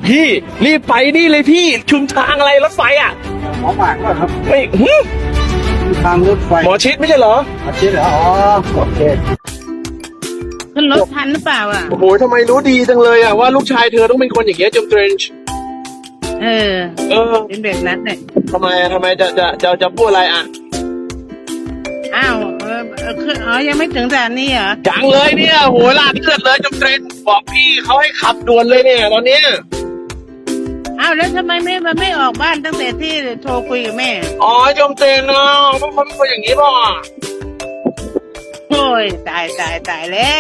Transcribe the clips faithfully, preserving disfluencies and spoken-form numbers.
พี่รีบไปนี่เลยพี่ชุมทางอะไรรถไฟอ่ะหมอหมากก็ครับไม่หึทางรถไฟหมอชิดไม่ใช่เหรออาชีพเหรออ๋อโอเคขึ้นรถทันหรือเปล่าอ่ะโอ้โหทำไมรู้ดีจังเลยอ่ะว่าลูกชายเธอต้องเป็นคนอย่างเงี้ยจมเทรนช์เออเออเป็นแบบนั้นเลยทำไมทำไมจะจะจะจะพูดอะไรอ่ะอ้าวเออเออคืออ๋อยังไม่ถึงสถานีเหรอจังเลยเนี่ยโหลาดเลือดเลยจมเทรนช์บอกพี่เขาให้ขับด่วนเลยเนี่ยตอนเนี้ยอ้าวแล้วทำไมไม่มันไม่ออกบ้านตั้งแต่ที่โทรคุยกับแม่อ๋อจมเทรนช์เนาะมันเป็นคนอย่างนี้ป่ะโอ้ยตายตายตายแล้ว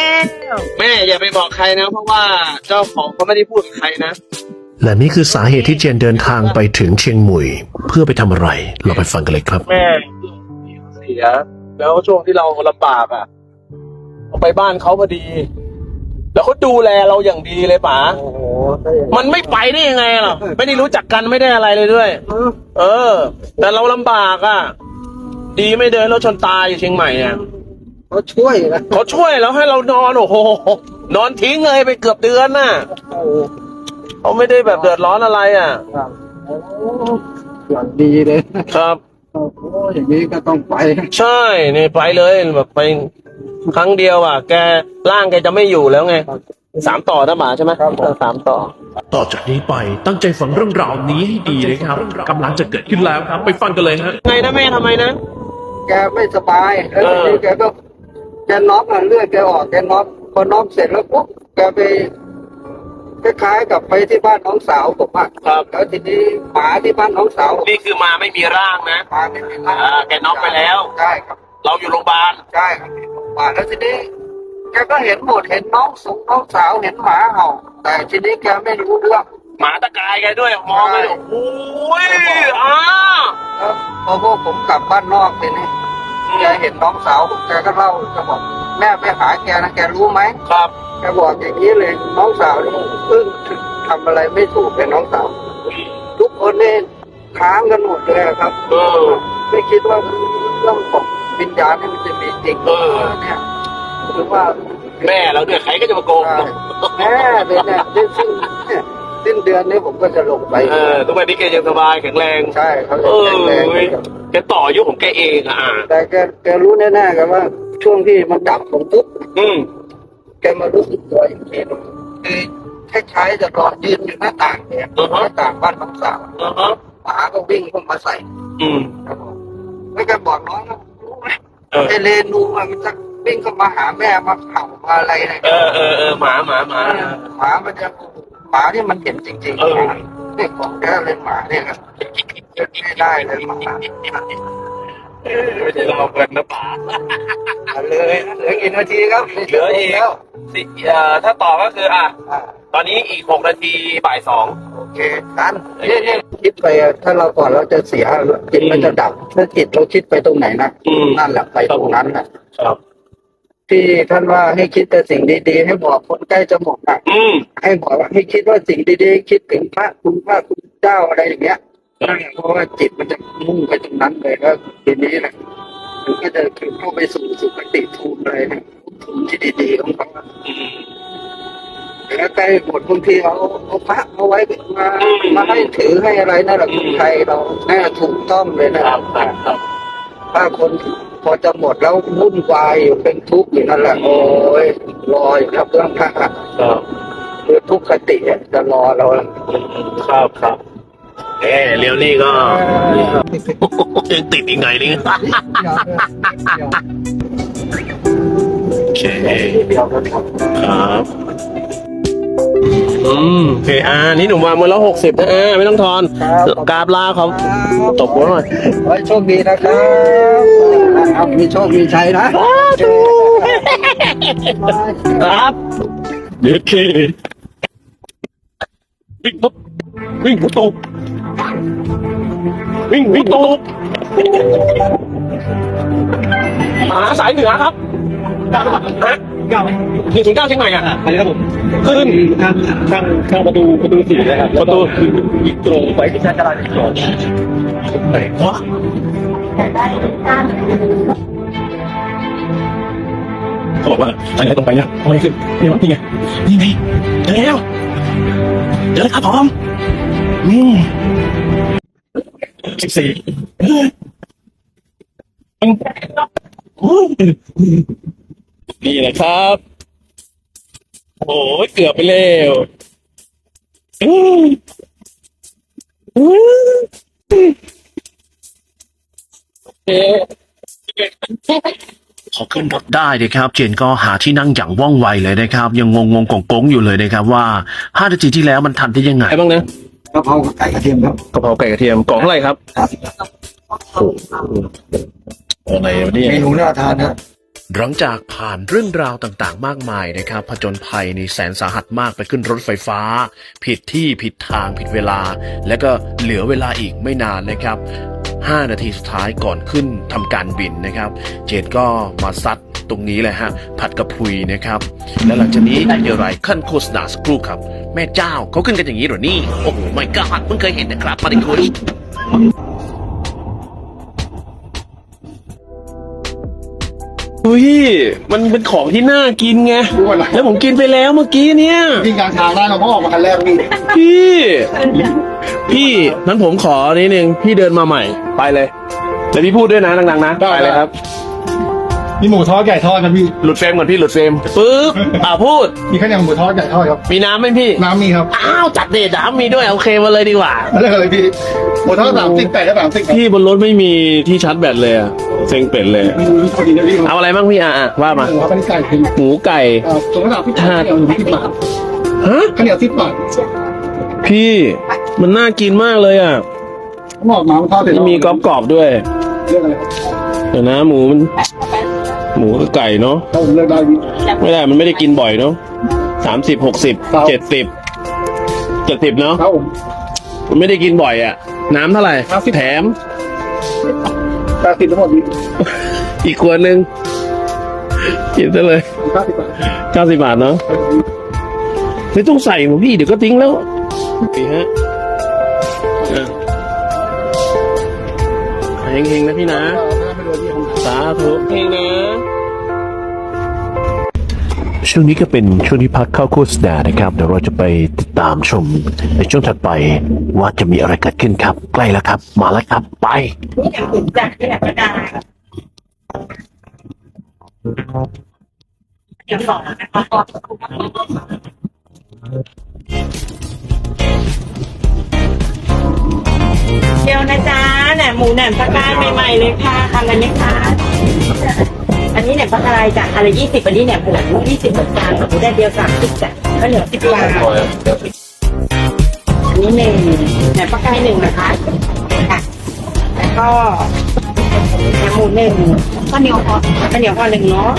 แม่อย่าไปบอกใครนะ เพราะว่าเจ้าของเขาไม่ได้พูดกับใครนะและนี่คือสาเหตุที่เจนเดินทางไปถึงเชียงหมุยเพื่อไปทำอะไร เราไปฟังกันเลยครับแม่เสีย แล้วช่วงที่เราลำบากอ่ะเราไปบ้านเขาพอดี แล้วเขาดูแลเราอย่างดีเลยป๋าโอ้โหได้ยังไงมันไม่ไปได้ยังไงหรอไม่ได้รู้จักกันไม่ได้อะไรเลยด้วยเออเออ แต่เราลำบากอ่ะ ดีไม่เดินรถชนตายอยู่เชียงใหม่เนี่ยเขาช่วยนะเขาช่วยแล้วให้เรานอนโอ้โหนอนทิ้งเลยไปเกือบเดือนน่ะโอ้โหเขาไม่ได้แบบเดือดร้อนอะไรอ่ะครับโอ้อย่างดีเลยนะครับ โอ้โหอย่างนี้ก็ต้องไปใช่นี่ไปเลยแบบไปครั้งเดียวอ่ะ แกร่างแกจะไม่อยู่แล้วไงสามต่อนะหมาใช่ไหมครับผมสามต่อต่อจากนี้ไปตั้งใจฟังเรื่องราวนี้ให้ดีนะครับกำลังจะเกิดขึ้นแล้วครับ ไปฟังกันเลยฮะไงนะแม่ทำไมนะแกไม่สบายแล้วเออทีนี้แกก็แกน็อกอ่ะเลือดแกออกแกน็อกพอน็อกเสร็จแล้วปุ๊บแกไปคล้ายๆกับไปที่บ้านน้องสาวผมอ่ะครับแล้วทีนี้หมาที่บ้านน้องสาวนี่คือมาไม่มีร่างนะหมาไม่เป็นไรอ่าแกน็อกไปแล้วใช่ครับเราอยู่โรงพยาบาลใช่ครับหมาแล้วทีนี้แกก็เห็นหมดเห็นน้องสูงน้องสาวเห็นหมาเห่าแต่ทีนี้แกไม่รู้เรื่องหมาตะกายแกด้วยมองไปดูโอ้ยอ้าแล้วพอพวกผมกลับบ้านนอกทีนี้แกเห็นน้องสาวผมแกก็เล่าแกบอกแม่ไปหาแกนะแกรู้ไหมครับแกบอกอย่างนี้เลยน้องสาวนี่เพิ่งทำอะไรไม่ถูกเป็นน้องสาว ทุกคนเนี่ยค้างกันหมดเลยครับเออไม่คิดว่าเรื่องของวิญญาณนี่มันจะมีจริงเออเนี่ยคือว่าแม่เราเนี่ยใครก็จะมาโกงแม่เนี่ยเนี่ยสิ้นเนี่ยสิ้นเดือนนี้ผมก็จะลงไปเออทุกวันนี้แกยังสบายแข็งแรงใช่เขาเอจะอแข็งแรงเว้ยแกต่ออายุของแกเองอ่ะอ่าแต่แกแกรู้แน่ๆกันว่า ช่วงที่มันดับผมปุ๊บอืมแกมารู้สึกตัวอีกทีนึงคือคล้ายๆจะรอยืนอยู่หน้าต่างเนี่ยหน้าต่างบ้านน้องสาวอ่าฮะหมาก็วิ่งเข้ามาใส่อืมครับผมแล้วแกบอกน้องนะรู้ไหมเออไอเลนูอะมันจะวิ่งเข้ามาหาแม่มาเห่ามาอะไรเนี่ยเออเออเออหมาหมาหมาหมามันจะหมาที่มันเห็นจริงๆเออเนี่ยของแกเลยหมาเนี่ยครับไม่ได้เลยหมาไม่ใช่เราเงินนะป๋าเอาเลยเหลือกี่นาทีครับเหลืออีกแล้วสิเอ่อถ้าต่อก็คืออ่ะอ่าตอนนี้อีกหกนาทีบ่ายสองโอเคกันเนี่ยเนี่ยคิดไปอะถ้าเราก่อนเราจะเสียจิตมันจะดับถ้าจิตเราคิดไปตรงไหนนะนั่นแหละไปตรงนั้นนะครับ ที่ท่านว่าให้คิดแต่สิ่งดีๆให้บอกคนใกล้จะหมดอ่ะอืมให้บอกว่าให้คิดว่าสิ่งดีๆคิดถึงพระคุณพระคุณเจ้าอะไรอย่างเงี้ยนั่นแหละเพราะว่าจิตมันจะมุ่งไปตรงนั้นเลยแล้วทีนี้แหละมันก็จะเข้าไปสู่สุคติภูมิอะไรเนี่ยภูมิที่ดีๆของเขาอืมแล้วใกล้หมดบางทีเอาเอาพระมาไว้มามาให้ถือให้อะไรนั่นแหละคนไทยเราแน่ถูกต้องเลยนะครับครับครับถ้าคนพอจะหมดแล้ววุ่นวายอยู่เป็นทุกข์อยู่นั่นแหละโอ้ยรออยู่ครับเรื่องพระครับคือทุกขติอะจะรอเราครับครับเออเลี้ยวนี่ก็ยังติดอีกไงนี่โอเคเดียวกันครับครับอืมโอเคอ่านี่หนุ่มวางมือละหกสิบนะอ่าไม่ต้องทอนกราบลาเขาตบหัวหน่อยขอให้โชคดีนะครับเอามีโชคมีชัยนะครับเด็กเควิ่งปุ๊บวิ่งปุ๊บตกวิ่งวิ่งตกหาสายเหนือครับฮะเก้าหนึ่งถึงเก้าเชียงใหม่อ่ะอันนี้ครับผมขึ้นข้างข้างข้างประตูประตูสี่นะครับประตูอีกตรงไปที่ชาติจราจรไหนวะเขาบอกว่าทางไหนตรงไปเนี่ยทำไมขึ้นนี่วะนี่ไงนี่ไงเจอแล้วเดี๋ยวนะครับผมนี่สิบสี่นี่แหละครับโอ้ยเกือบไปแล้วเอ๊ะพอขึ้นรถได้นะครับเจนก็หาที่นั่งอย่างว่องไวเลยนะครับ ยังงงงๆกงๆอยู่เลยนะครับว่าห้านาทีที่แล้วมันทันได้ยังไงไงบ้างนะกะเพราไก่กระเทียมครับกะเพราไก่กระเทียมกล่องเท่าไหร่ครับครับอะไรวะเนี่ยเมนูน่าทานนะหลังจากผ่านเรื่องราวต่างๆ มากมายนะครับผจญภัยในแสนสาหัสมากไปขึ้นรถไฟฟ้า ผิดที่ผิดทางผิดเวลา แล้วก็เหลือเวลาอีกไม่นานนะครับห้านาทีสุดท้ายก่อนขึ้นทำการบินนะครับ เจดก็มาซัดตรงนี้เลยฮะผัดกระพุยนะครับ แล้วหลังจากนี้จะมีอะไรขั้นโฆษณาสักครู่ครับ แม่เจ้าเขาขึ้นกันอย่างนี้เหรอนี่โอ้โหไม่กล้าเพิ่งเคยเห็นนะครับมาดิคุยอุ้ยมันเป็นของที่น่ากินไงแล้วผมกินไปแล้วเมื่อกี้เนี่ยวิ่งกลางทางได้เราก็ออกมาคันแรกพี่พี่ พี่นั้นผมขอนิดนึงพี่เดินมาใหม่ไปเลยแล้วพี่พูดด้วยนะดังๆนะไปเลยครับมีหมูทอดไก่ทอดครับพี่หลุดเฟรมก่อนพี่หลุดเฟรมปึ๊บอ่าพูดมีข้าวเหนียวหมูทอดไก่ทอดครับมีน้ำไหมพี่น้ำมีครับอ้าวจัดเด็ดน้ำมีด้วยโอเคมาเลยดีกว่าเรื่องอะไรพี่หมูทอดสามสิบไก่ก็สามสิบพี่บนรถไม่มีที่ชาร์จแบตเลยอะเซ็งเป็ดเลยมีพอดีนะพี่เอาอะไรบ้างพี่อ่ะอ่ะว่ามาหมูครับอันนี้ไก่คือหมูไก่อ่าตัวละสามสิบบาทข้าวเหนียวสิบบาทฮะข้าวเหนียวสิบบาทพี่มันน่ากินมากเลยอ่ะหมอกน้ำทอดเสร็จแล้วมีกรอบกรอบๆด้วยเรื่องอะไรครับเดี๋ยวนะหมูมันหมูกับไก่เนาะถ้าผมเลือกได้พี่ไม่ได้มันไม่ได้กินบ่อยเนาะสามสิบหกสิบครับเจ็ดสิบเจ็ดสิบเนาะครับผมมันไม่ได้กินบ่อยอ่ะ น้ำเท่าไหร่ห้าสิบแถมแปดสิบทั้งหมดพี่อีกขวดหนึ่งกินซะเลยเก้าสิบบาทเก้าสิบบาทเนาะไม่ต้องใส่หมูพี่เดี๋ยวก็ทิ้งแล้วนี่ฮะอ่ะเฮงๆนะพี่นะถ้าไม่รวยพี่ผมสาธุเฮงนะช่วงนี้ก็เป็นช่วงที่พักเข้าโฆษณานะครับเดี๋ยวเราจะไปติดตามชมในช่วงถัดไปว่าจะมีอะไรเกิดขึ้นครับ ใกล้แล้วครับ มาแล้วครับ ไปจากที่ไหนก็ได้เดี๋ยวสอนนะคะเดี๋ยวนะจ๊ะแหนมหมูแหนมปลากรายใหม่ๆเลยค่ะทำอะไรไหมคะอันนี้แหนมปลากรายจ้ะอะไรยี่สิบอันนี้แหนมหมูยี่สิบเหมือนกันหมูได้เดียวสามสิบจ้ะก็เหลือสิบบาทอันนี้หนึ่งแหนมปลากรายหนึ่งนะคะค่ะแล้วก็แหนมหมูหนึ่งข้าวเหนียวพอข้าวเหนียวพอหนึ่งเนาะ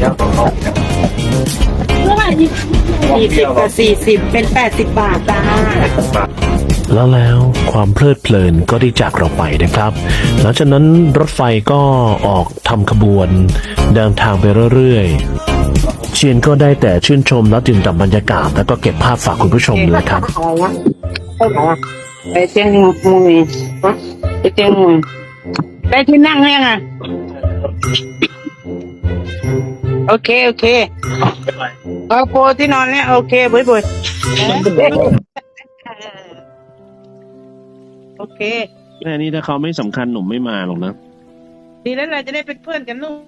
สี่สิบกับสี่สิบเป็นแปดสิบบาทจ้าแล้วแล้วความเพลิดเพลินก็ได้จากเราไปนะครับ หลังจากนั้นรถไฟก็ออกทำขบวนเดินทางไปเรื่อยๆเชียนก็ได้แต่ชื่นชมและดื่มด่ำบรรยากาศแล้วก็เก็บภาพฝากคุณผู้ชมเลยครับไปเชียงมุยไปเชียงมุยได้ที่นั่งยังอ่ะโอเคโอเคเอาโปที่นอนเนี่ยโอเคบุยบุยโอเคแม่นี่ถ้าเขาไม่สำคัญหนุ่มไม่มาหรอกนะดีแล้วเราจะได้เป็นเพื่อนกันลูก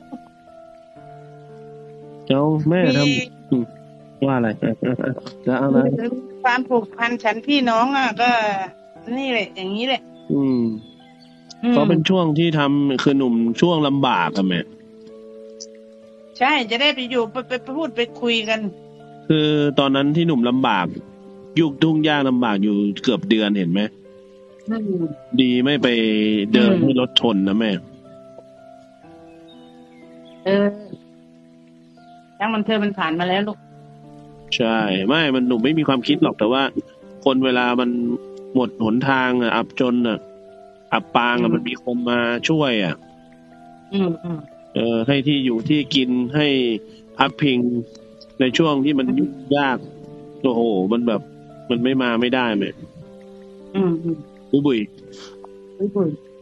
เจ้าแม่ทมีำอืมว่าอะไรจะเอาอะไรความผูกพันฉันพี่น้องอ่ะ ก็ นี่แหละ อย่างนี้แหละอืมอืมเขาเป็นช่วงที่ทำคือหนุ่มช่วงลำบากอะแม่ใช่จะได้ไปอยู่ไปไปไปพูดไปคุยกันคือตอนนั้นที่หนุ่มลำบาก ยุคทุ่งยากลำบากอยู่เกือบเดือนเห็นไหมอืมดีไม่ไปเดินอืมให้รถชนนะแม่เออทั้งมันเธอมันผ่านมาแล้วลูกใช่ ไม่มันหนุ่มไม่มีความคิดหรอกแต่ว่า คนเวลามันหมดหนทางอะอับจนอะอับปางอือะมมันมีคนมาช่วยอะอืมอืมเออให้ที่อยู่ที่กินให้พักพิงในช่วงที่มันยุ่งยากโอ้โหมันแบบ มันไม่มาไม่ได้แม่อืมอืมบุยบุยบุยบุย